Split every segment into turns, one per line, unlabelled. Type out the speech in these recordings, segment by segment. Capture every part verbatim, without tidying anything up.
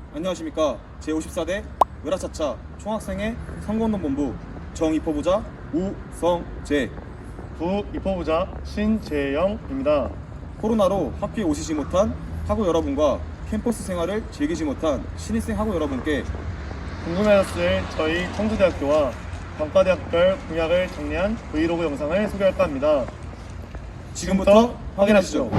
안녕하십니까. 제오십사 대 으라차차 총학생회 선거운동본부 정입법부자 우성재.
부입법부자 신재영입니다.
코로나로 학교에 오시지 못한 학우 여러분과 캠퍼스 생활을 즐기지 못한 신입생 학우 여러분께
궁금해하셨을 저희 청주대학교와 단과대학별 공약을 정리한 브이로그 영상을 소개할까 합니다.
지금부터 확인하시죠.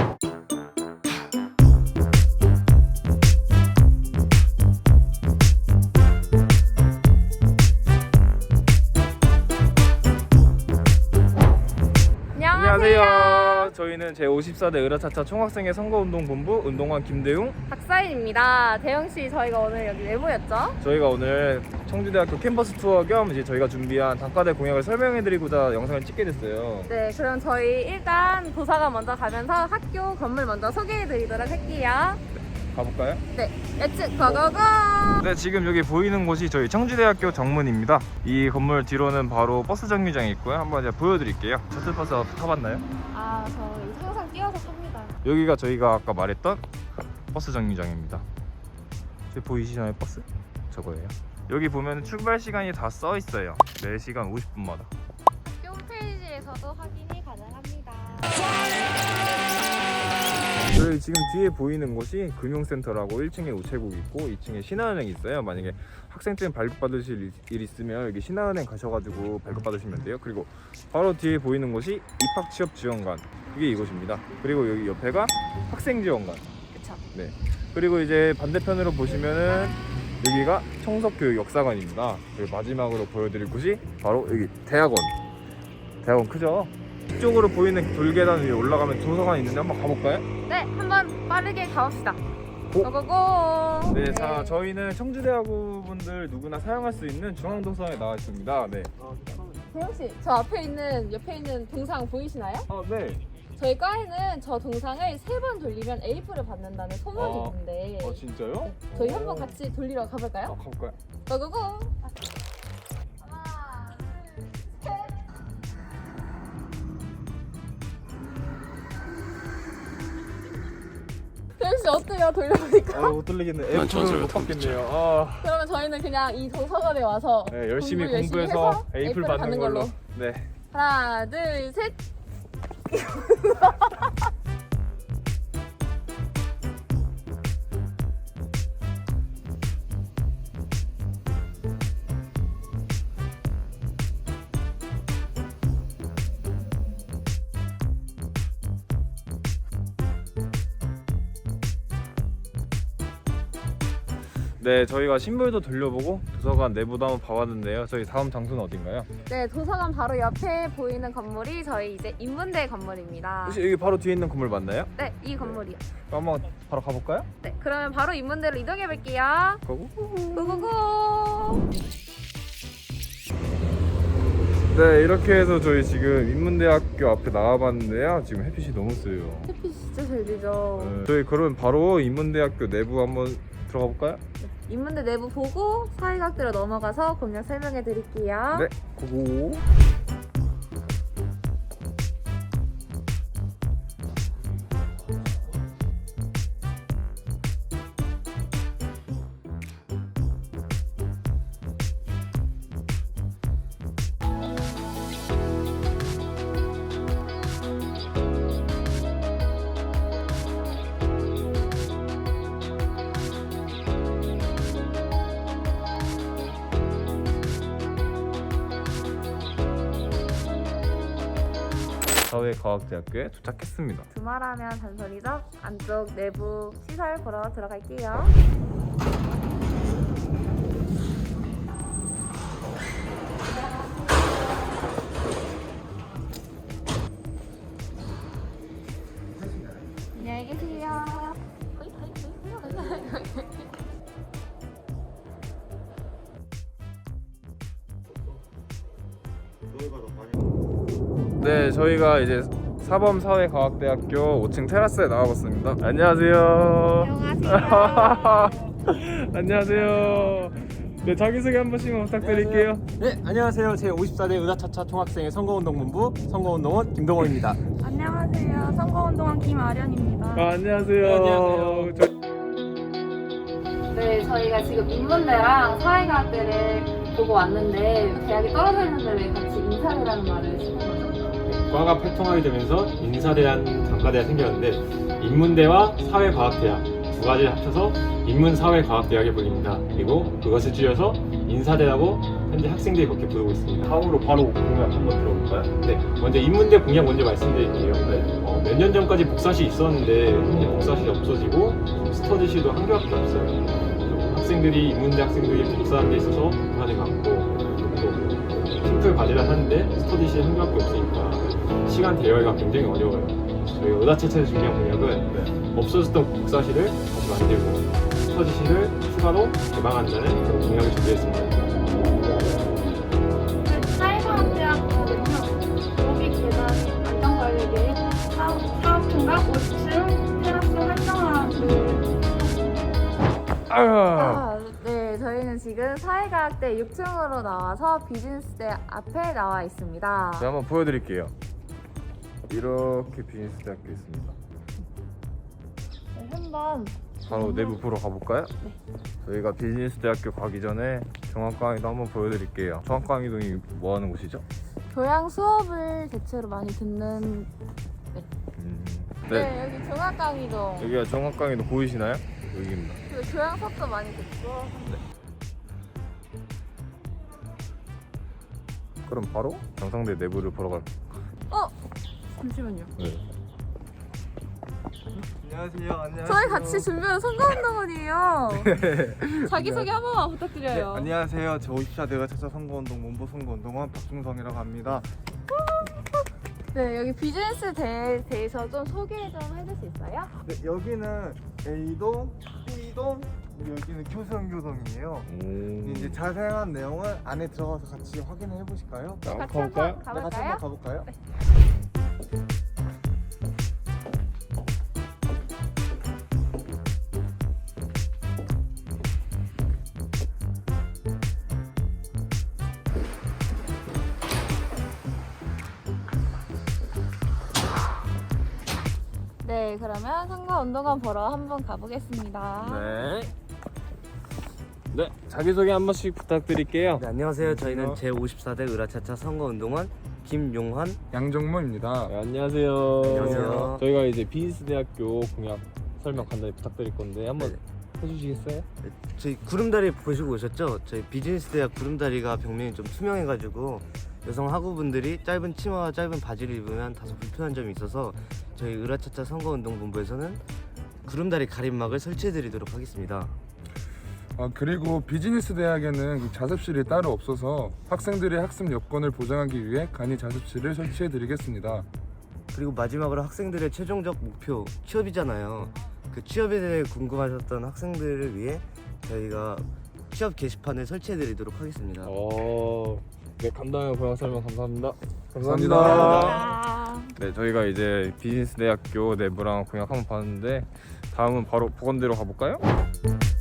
안녕하세요. 저희는 제오십사 대 으라차차 총학생회 선거운동본부 운동관 김대웅.
박사인입니다. 대영씨, 저희가 오늘 여기 왜 모였죠?
저희가 오늘 청주대학교 캠퍼스 투어 겸 이제 저희가 준비한 단과대 공약을 설명해드리고자 영상을 찍게 됐어요.
네, 그럼 저희 일단 도서관 먼저 가면서 학교 건물 먼저 소개해드리도록 할게요.
가볼까요?
네, 예측 고고고!
네, 지금 여기 보이는 곳이 저희 청주대학교 정문입니다. 이 건물 뒤로는 바로 버스 정류장이 있고요. 한번 이제 보여드릴게요. 셔틀버스 타봤나요?
아, 저 항상 뛰어서 탑니다.
여기가 저희가 아까 말했던 버스 정류장입니다. 저기 보이시나요, 버스? 저거예요. 여기 보면 출발 시간이 다 써 있어요. 네 시간 오십 분마다.
학교 홈페이지에서도 확인이 가능합니다.
저희 지금 뒤에 보이는 곳이 금융센터라고 일 층에 우체국 있고 이 층에 신한은행이 있어요. 만약에 학생증 발급받으실 일 있으면 여기 신한은행 가셔가지고 발급받으시면 돼요. 그리고 바로 뒤에 보이는 곳이 입학취업지원관, 이게 이곳입니다. 그리고 여기 옆에가 학생지원관.
그쵸.
네. 그리고 이제 반대편으로 보시면은 여기가 청석교육 역사관입니다. 그리고 마지막으로 보여드릴 곳이 바로 여기 대학원. 대학원 크죠? 이쪽으로 보이는 돌계단 위에 올라가면 도서관이 있는데 한번 가볼까요?
네, 한번 빠르게 가봅시다.
고!
고고고!
네, 자 저희는 청주대학교 분들 누구나 사용할 수 있는 중앙도서관에 나와 있습니다. 네.
대영씨, 저 앞에 있는, 옆에 있는 동상 보이시나요?
아, 네.
저희 과에는 저 동상을 세 번 돌리면 에이프를 받는다는 소문이
아,
있는데
아 진짜요?
네, 저희
오.
한번 같이 돌리러
아,
가볼까요?
가볼까요?
고고고! 하나, 둘, 셋! 대현씨 어때요? 돌려보니까?
아, 못 돌리겠네. 에이프를 못 받겠네요. 아,
그러면 저희는 그냥 이 도서관에 와서
네, 열심히
공부 열심히
공부해서
해서
에이플
에이프를
받는
받는
걸로.
걸로.
네.
하나, 둘, 셋!
네, 저희가 신불도 돌려보고 도서관 내부도 한번 봐봤는데요. 저희 다음 장소는 어딘가요?
네, 도서관 바로 옆에 보이는 건물이 저희 이제 인문대 건물입니다.
혹시 여기 바로 뒤에 있는 건물 맞나요?
네, 이 건물이요.
그럼 한번 바로 가볼까요?
네, 그러면 바로 인문대로 이동해 볼게요.
고고.
고고고!
네, 이렇게 해서 저희 지금 인문대학교 앞에 나와봤는데요. 지금 햇빛이 너무 세요.
햇빛 진짜 잘 되죠.
네, 저희 그러면 바로 인문대학교 내부 한번 들어가 볼까요?
인문대 내부 보고 사회학대로 넘어가서 공략 설명해 드릴게요.
네, 고고. 사회과학대학교에 도착했습니다.
두말하면 잔소리죠. 안쪽 내부 시설 보러 들어갈게요. 안녕히 계세요.
네, 저희가 이제 사범사회과학대학교 오 층 테라스에 나와봤습니다. 안녕하세요.
안녕하세요.
안녕하세요. 네, 자기소개 한 번씩만 부탁드릴게요.
네, 안녕하세요. 제오십사 대 으라차차 총학생회 선거운동본부 선거운동원 김동원입니다.
안녕하세요. 선거운동원 김아련입니다.
아, 안녕하세요.
네, 안녕하세요.
저...
네, 저희가 지금 인문대랑 사회과학대를 보고 왔는데 대학이 떨어져 있는데 왜 같이 인사대라는 말을 쓰는 거죠?
과가 활동하게 되면서 인사대라는 단과대가 생겼는데 인문대와 사회과학대학 두 가지를 합쳐서 인문사회과학대학에 불립니다. 그리고 그것을 줄여서 인사대라고 현재 학생들이 그렇게 부르고 있습니다.
다음으로 바로 공약 한번 들어볼까요?
네, 먼저 인문대 공약 먼저 말씀드릴게요. 어, 몇 년 전까지 복사실이 있었는데 현재 복사실이 없어지고 스터디실도 한 개밖에 없어요. 또 학생들이 인문대 학생들이 복사하는 데 있어서 불편이 많고 또 팀플 과제를 하는데 스터디실 한 개밖에 없으니까 시간 대여가 굉장히 어려워요. 저희 의사체체에서 준비한 공약은 네, 없어졌던 복사실을 다시 만들고 스터디실을 추가로 개방한다는 그런 공약을 준비했습니다.
사회과학대학교는요, 로비 계단 안전관리계 사업팀과 오 층 테라스 활성화를
아, 네, 저희는 지금 사회과학대 육 층으로 나와서 비즈니스대 앞에 나와 있습니다.
제가 한번 보여드릴게요. 이렇게 비즈니스 대학교 있습니다.
네, 한번
바로 내부 보러 가볼까요?
네.
저희가 비즈니스 대학교 가기 전에 종합 강의도 한번 보여드릴게요. 종합 강의동이 뭐 하는 곳이죠?
교양 수업을 대체로 많이 듣는
음,
네,
네.
여기 종합강의동
여기가 종합 강의동 보이시나요? 여기입니다.
그리고 교양 수업도 많이 듣고
그럼 바로 경상대 내부를 보러 갈까요?
어? 잠시만요.
네.
안녕하세요. 안녕하세요.
저희 같이 준비한 선거운동원이에요. 자기소개 한 번만 부탁드려요.
네, 안녕하세요. 저 오십사 대가 찾아 선거운동 문부 선거운동원 박중성이라고 합니다.
네, 여기 비즈니스 대에 대해서 좀 소개 좀 해줄 수 있어요?
네, 여기는 A동, B동, 그리고 여기는 교수연교동이에요.
오.
이제 자세한 내용을 안에 들어가서 같이 확인을 해보실까요?
자,
같이
가볼까요?
한번
네, 같이
가볼까요?
한번 가볼까요?
네, 그러면 선거운동원 보러 한번 가보겠습니다.
네. 네, 자기소개 한 번씩 부탁드릴게요.
네, 안녕하세요. 저희는 제오십사 대 의라차차 선거운동원 김용환.
양정모입니다.
네, 안녕하세요.
안녕하세요.
저희가 이제 비즈니스 대학교 공약 설명 간단히 부탁드릴 건데 한번
네.
해주시겠어요?
저희 구름다리 보시고 오셨죠? 저희 비즈니스 대학 구름다리가 벽면이 좀 투명해가지고 여성 학우분들이 짧은 치마와 짧은 바지를 입으면 다소 불편한 점이 있어서 저희 의라차차 선거운동본부에서는 구름다리 가림막을 설치해드리도록 하겠습니다.
아, 그리고 비즈니스 대학에는 그 자습실이 따로 없어서 학생들의 학습 여건을 보장하기 위해 간이 자습실을 설치해 드리겠습니다.
그리고 마지막으로 학생들의 최종적 목표 취업이잖아요. 그 취업에 대해 궁금하셨던 학생들을 위해 저희가 취업 게시판을 설치해드리도록 하겠습니다.
어, 네, 간단한 공약 설명 감사합니다.
감사합니다.
아,
네, 저희가 이제 비즈니스 대학교 내부랑 공약 한번 봤는데 다음은 바로 보건대로 가볼까요?